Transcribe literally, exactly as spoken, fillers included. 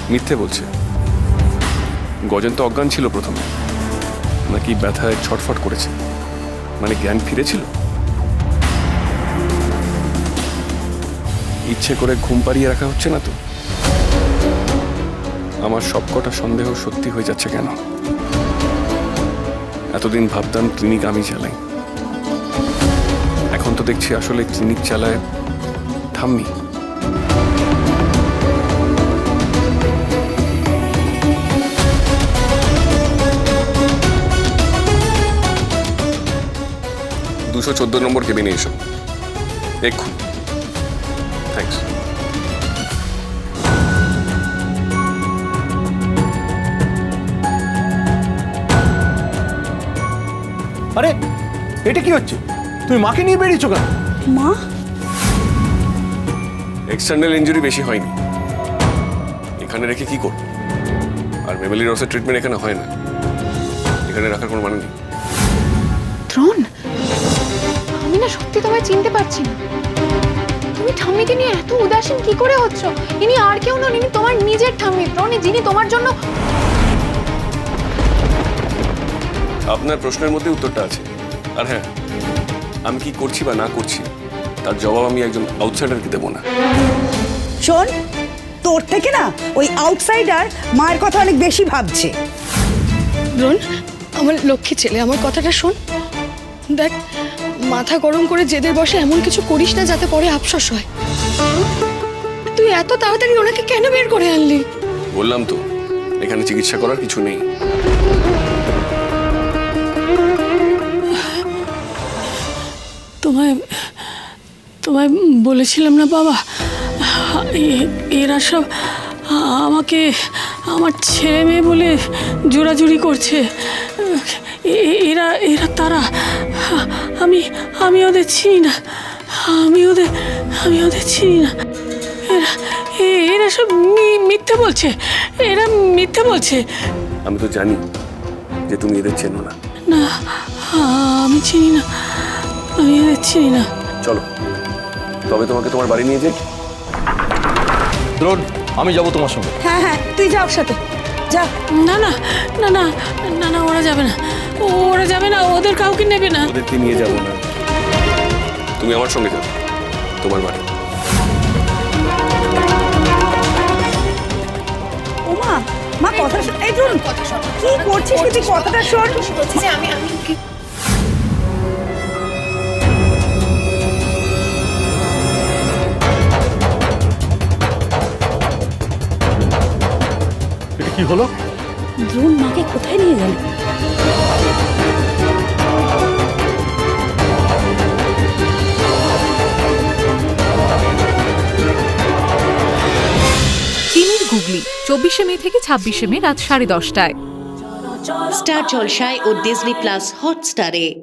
মিথ্যে বলছে। গজেন তো অজ্ঞান ছিল প্রথমে, নাকি ব্যথায় ছটফট করেছে, মানে জ্ঞান ফিরেছিল। ইচ্ছে করে ঘুম পাড়িয়ে রাখা হচ্ছে না তো? আমার সবকটা সন্দেহ সত্যি হয়ে যাচ্ছে কেন? এতদিন ভাবতাম ক্লিনিক আমি চালাই, এখন তো দেখছি আসলে ক্লিনিক চালায় ঠাম্মি। দুশো চোদ্দ নম্বর কেবিনে এসো এক্ষুন। থ্যাংকস। আরে এটা কি হচ্ছে? তুমি মাকে নিয়ে বেরিয়েছো কেন? মা? এক্সটার্নাল ইনজুরি বেশি হয়নি, এখানে রেখে কি করব? আর মেমেলি রসের ট্রিটমেন্ট এখানে হয় না, এখানে রাখার কোনো মানে নেই। ত্রণ, আমি না সত্যি তোমায় চিনতে পারছি না। তুমি ঠাম্মিকে নিয়ে এত উদাসীন কি করে হচ্ছ? ইনি আর কেউ নন, ইনি তোমার নিজের ঠাম্মি ত্রণ, যিনি তোমার জন্য। আপনার প্রশ্নের মধ্যে উত্তরটা আছে। আর হ্যাঁ, আমি কি করছি বা না করছি তার জবাব আমি একজন আউটসাইডারকে দেবো না। শোন, তোর থেকে না ওই আউটসাইডার মায়ের কথা অনেক বেশি ভাবছে। দ্রোণ, আমার লক্ষ্মী ছেলে, আমার কথাটা শোন। দেখ, মাথা গরম করে জেদের বসে এমন কিছু করিস না যাতে পরে আফসোস হয়। তুই এত তাড়াতাড়ি ওনাকে কেন বের করে আনলি? বললাম তো, এখানে চিকিৎসা করার কিছু নেই। তোমায় তোমায় বলেছিলাম না বাবা, এ- এরা সব আমাকে আমার ছেলে মেয়ে বলে জোরাজুরি করছে। এ- এরা এরা তারা, আমি আমি ওদের চিনি না, আমি ওদের আমি ওদের চিনি না। এরা এ- এরা সব মি- মিথ্যে বলছে, এরা মিথ্যে বলছে। আমি তো জানি যে তুমি এদের চেনো না। না, আমি চিনি না, আমি এদের চিনি না। চলো তবে তোমাকে তোমার বাড়ি নিয়ে যাই। দ্রোণ, আমি যাব তোমার সঙ্গে। হ্যাঁ হ্যাঁ, তুই যা ওর সাথে যা। না না না না না না, ওরা যাবে না, ওরা যাবে না, ওদের কাউকে নেবে না। ওদেরকে নিয়ে যাবো না, তুমি আমার সঙ্গে যাও তোমার বাড়ি। ও মা, মা কথা শোন। এই দ্রোণ, কি করছিস কি? তুই কথাটা শোন। আমি আমি এটা কি হলো? দ্রোণ মাকে কোথায় নিয়ে গেল? চিনির গুগলি চব্বিশে মে থেকে ছাব্বিশে মে রাত সাড়ে দশটায় স্টার জলসায় ও ডিজনি প্লাস হটস্টারে।